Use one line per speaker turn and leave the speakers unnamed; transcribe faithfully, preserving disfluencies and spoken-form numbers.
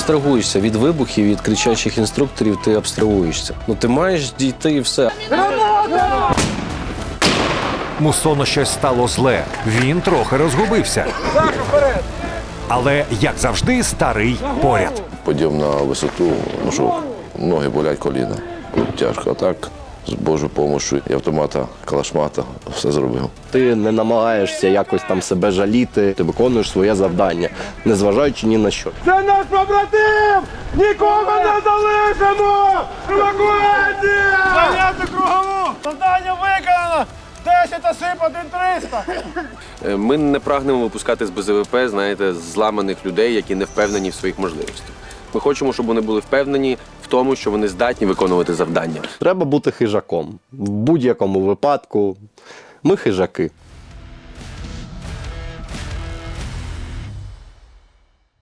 абстрагуєшся від вибухів, від кричачих інструкторів, ти абстрагуєшся. Ну ти маєш дійти і все.
Муссону щось стало зле. Він трохи розгубився. Але, як завжди, старий поряд.
Подйом на висоту, ну що, ноги болять, коліна. Тяжко, а так, з Божою допомогою і автомата, калашмата, все зробив.
Ти не намагаєшся якось там себе жаліти, ти виконуєш своє завдання, незважаючи ні на що.
Це наш побратим! Нікого не залишимо! Евакуація! Зайняти кругову! Завдання виконано! десять осіб, один триста!
Ми не прагнемо випускати з Б З В П, знаєте, зламаних людей, які не впевнені в своїх можливостях. Ми хочемо, щоб вони були впевнені в тому, що вони здатні виконувати завдання.
Треба бути хижаком. В будь-якому випадку ми хижаки.